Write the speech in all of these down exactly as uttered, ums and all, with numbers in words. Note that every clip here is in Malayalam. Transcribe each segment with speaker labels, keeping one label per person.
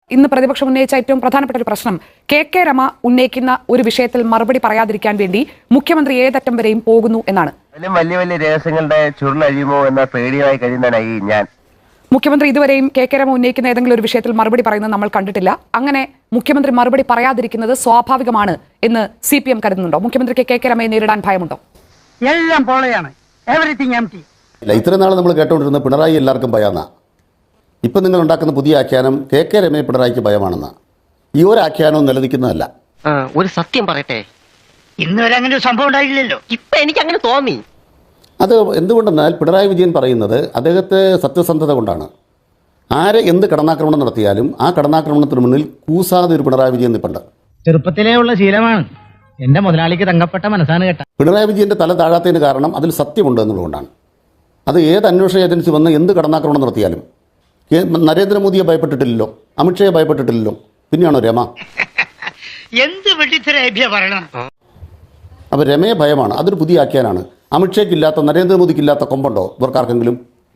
Speaker 1: ഇന്ന് പ്രതിപക്ഷം ഉന്നയിച്ച ഏറ്റവും പ്രധാനപ്പെട്ട ഒരു പ്രശ്നം കെ കെ രമ ഉന്നയിക്കുന്ന ഒരു വിഷയത്തിൽ മറുപടി പറയാതിരിക്കാൻ വേണ്ടി മുഖ്യമന്ത്രി ഏതറ്റം വരെയും പോകുന്നു എന്നാണ്.
Speaker 2: വലിയ വലിയ രഹസ്യങ്ങളുടെ ചുരുളഴിയുമോ എന്ന പേടിയായി കഴിയുന്നതായി ഞാൻ.
Speaker 1: മുഖ്യമന്ത്രി ഇതുവരെയും കെ കെ രമ ഉന്നയിക്കുന്ന ഏതെങ്കിലും ഒരു വിഷയത്തിൽ മറുപടി പറയുന്നത് നമ്മൾ കണ്ടിട്ടില്ല. അങ്ങനെ മുഖ്യമന്ത്രി മറുപടി പറയാതിരിക്കുന്നത് സ്വാഭാവികമാണ് എന്ന് സി പി എം കരുതുന്നുണ്ടോ? മുഖ്യമന്ത്രിക്ക് കെ കെ രമയെ നേരിടാൻ ഭയമുണ്ടോ?
Speaker 3: എല്ലാം പോളയാണ്. Everything empty.
Speaker 4: ഇത്രയും നാൾ നമ്മൾ കേട്ടുകൊണ്ടിരുന്ന പിണറായി എല്ലാവർക്കും ഭയന്ന, ഇപ്പം നിങ്ങൾ ഉണ്ടാക്കുന്ന പുതിയ ആഖ്യാനം കെ കെ രമയെ പിണറായിക്ക് ഭയമാണെന്ന്. ഈ ഒരു ആഖ്യാനവും നിലനിൽക്കുന്നതല്ല.
Speaker 2: ഒരു സത്യം പറയട്ടെ,
Speaker 3: ഇന്ന് വരെ അങ്ങനെ ഒരു സംഭവം ഉണ്ടായില്ലല്ലോ.
Speaker 2: ഇപ്പൊ എനിക്ക് അങ്ങനെ തോന്നി.
Speaker 4: അത് എന്തുകൊണ്ടെന്നാൽ പിണറായി വിജയൻ പറയുന്നത് അദ്ദേഹത്തെ സത്യസന്ധത കൊണ്ടാണ്. ആരെ എന്ത് കടന്നാക്രമണം നടത്തിയാലും ആ കടന്നാക്രമണത്തിന് മുന്നിൽ കൂസാതെ ഒരു പിണറായി വിജയൻ നിൽപ്പുണ്ട്.
Speaker 3: ചെറുപ്പത്തിലേ ഉള്ള ശീലമാണ്. എന്റെ മുതലാളിക്ക് തങ്കപ്പെട്ട മനസ്സാണ് കേട്ട.
Speaker 4: പിണറായി വിജയന്റെ തല താഴാത്തതിന് കാരണം അതിൽ സത്യമുണ്ട് എന്നുള്ളതുകൊണ്ടാണ്. അത് ഏത് അന്വേഷണ ഏജൻസി വന്ന് എന്ത് കടന്നാക്രമണം നടത്തിയാലും നരേന്ദ്രമോദിയെ ഭയപ്പെട്ടിട്ടില്ലല്ലോ, അമിത്ഷയെ ഭയപ്പെട്ടിട്ടില്ലല്ലോ, പിന്നെയാണോ രമ?
Speaker 3: എന്ത് വെട്ടിത്തരേഭ്യ പറയണം.
Speaker 4: അപ്പോൾ രമയെ ഭയമാണ്. അതൊരു പുതിയ ആഖ്യാനാണ്. അമിത്ഷയ്ക്കില്ലാത്ത നരേന്ദ്രമോദിക്കില്ലാത്ത കൊമ്പുണ്ടോ ഇവർക്കാർക്കെങ്കിലും?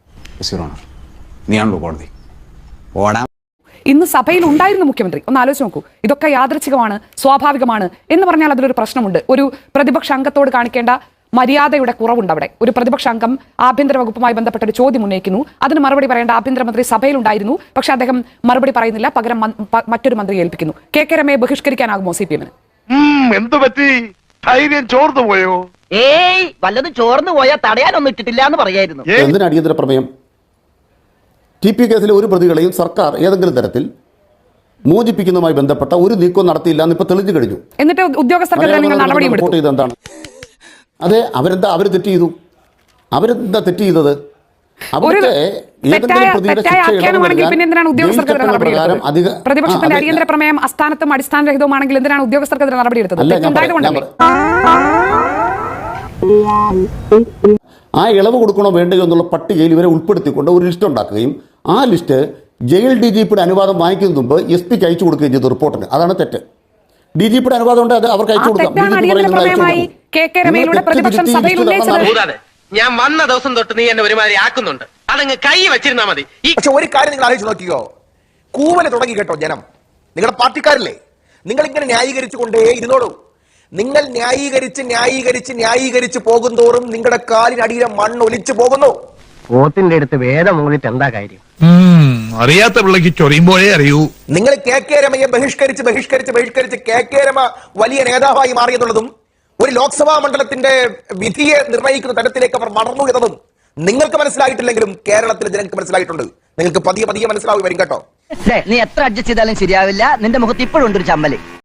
Speaker 1: ഇന്ന് സഭയിൽ ഉണ്ടായിരുന്നു മുഖ്യമന്ത്രി. ഒന്ന് ആലോചിച്ച് നോക്കൂ. ഇതൊക്കെ യാദൃച്ഛികമാണ്, സ്വാഭാവികമാണ് എന്ന് പറഞ്ഞാൽ അതിലൊരു പ്രശ്നമുണ്ട്. ഒരു പ്രതിപക്ഷ അംഗത്തോട് കാണിക്കേണ്ട മര്യാദയുടെ കുറവുണ്ട് അവിടെ. ഒരു പ്രതിപക്ഷ അംഗം ആഭ്യന്തര വകുപ്പുമായി ബന്ധപ്പെട്ട ഒരു ചോദ്യം ഉന്നയിക്കുന്നു, അതിന് മറുപടി പറയേണ്ട ആഭ്യന്തരമന്ത്രി സഭയിലുണ്ടായിരുന്നു, പക്ഷെ അദ്ദേഹം മറുപടി പറയുന്നില്ല, പകരം മറ്റൊരു മന്ത്രി ഏൽപ്പിക്കുന്നു. കെ കെ രമയെ ബഹിഷ്കരിക്കാനാകുമോ സി പി എമ്മിന്?
Speaker 5: എന്തു പറ്റി? ധൈര്യം ചോർന്നു പോയോ?
Speaker 2: ഏയ് വല്ലതും ചോർന്നു പോയാൽ തടയാനൊന്നും ഇട്ടിട്ടില്ല എന്ന് പറയായിരുന്നു.
Speaker 4: എന്തിനാ അടിയന്തര പ്രമേയം? ടി പി കേസിലെ ഒരു പ്രതികളെയും സർക്കാർ ഏതെങ്കിലും തരത്തിൽ മോചിപ്പിക്കുന്നതുമായി ബന്ധപ്പെട്ട ഒരു നീക്കവും നടത്തിയില്ല എന്ന് ഇപ്പൊ തെളിഞ്ഞു കഴിഞ്ഞു.
Speaker 1: എന്നിട്ട് ഉദ്യോഗസ്ഥർക്കെതിരെ നിങ്ങൾ നടപടിയെടുത്തു.
Speaker 4: എന്താണ്? അതെ, അവരെന്താ അവർ തെറ്റ് ചെയ്തു? അവരെന്താ തെറ്റ് ചെയ്തത്?
Speaker 1: പ്രതിപക്ഷത്തിന്റെ അടിയന്തര പ്രമേയം അസ്ഥാനത്തും അടിസ്ഥാനരഹിതവുമാണെങ്കിൽ എന്തിനാണ് ഉദ്യോഗസ്ഥർക്കെതിരെ നടപടിയെടുത്തത്?
Speaker 4: ആ ഇളവ് കൊടുക്കണോ വേണ്ടയോ എന്നുള്ള പട്ടികയിൽ ഇവരെ ഉൾപ്പെടുത്തിക്കൊണ്ട് ഒരു ലിസ്റ്റ് ഉണ്ടാക്കുകയും ആ ലിസ്റ്റ് ജയിൽ ഡി ജി പിയുടെ അനുവാദം വാങ്ങിക്കുന്നതിന് മുമ്പ് എസ് പിക്ക് അയച്ചു കൊടുക്കുകയും ചെയ്തു റിപ്പോർട്ടിന്. അതാണ് തെറ്റ്. ഡി ജി പിയുടെ അനുവാദം ഉണ്ട്, അത് അവർക്ക് അയച്ചു കൊടുക്കാം.
Speaker 6: ഞാൻ വന്ന ദിവസം തൊട്ട് നീ എന്നെ ഒരുമാതിരി ആക്കുന്നുണ്ട്. അതങ്ങ് കൈ വെച്ചിരുന്നാ മതി.
Speaker 7: പക്ഷെ ഒരു കാര്യം നിങ്ങൾ ആലോചിച്ച് നോക്കിയോ, കൂവല് തുടങ്ങി കേട്ടോ ജനം. നിങ്ങളുടെ പാർട്ടിക്കാരല്ലേ, നിങ്ങൾ ഇങ്ങനെ ന്യായീകരിച്ചു കൊണ്ടേ ഇരുന്നോളൂ. നിങ്ങൾ ന്യായീകരിച്ച് ന്യായീകരിച്ച് ന്യായീകരിച്ച് പോകുന്തോറും നിങ്ങളുടെ കാലിനടിയിലെ മണ്ണ് ഒലിച്ചു പോകുന്നു.
Speaker 2: പോത്തിന്റെ അടുത്ത് വേദം മൂന്നിട്ട് എന്താ കാര്യം?
Speaker 5: അറിയാത്ത പിള്ളക്ക് ചൊറിയുമ്പോഴേ അറിയൂ.
Speaker 7: നിങ്ങൾ കെ കെ രമയെ ബഹിഷ്കരിച്ച് ബഹിഷ്കരിച്ച് ബഹിഷ്കരിച്ച് കെ കെ രമ വലിയ നേതാവായി മാറിയെന്നുള്ളതും ഒരു ലോക്സഭാ മണ്ഡലത്തിന്റെ വിധിയെ നിർണ്ണയിക്കുന്ന തരത്തിലേക്ക് അവർ വളർന്നു എന്നതും നിങ്ങൾക്ക് മനസ്സിലായിട്ടില്ലെങ്കിലും കേരളത്തിലെ ജനങ്ങൾക്ക് മനസ്സിലായിട്ടുണ്ട്. നിങ്ങൾക്ക് പതിയെ പതിയെ മനസ്സിലാവും വരും കേട്ടോ.
Speaker 2: നീ എത്ര അഡ്ജസ്റ്റ് ചെയ്താലും ശരിയാവില്ല. നിന്റെ മുഖത്ത് ഇപ്പോഴും ഉണ്ട് ഒരു ചമ്മല്.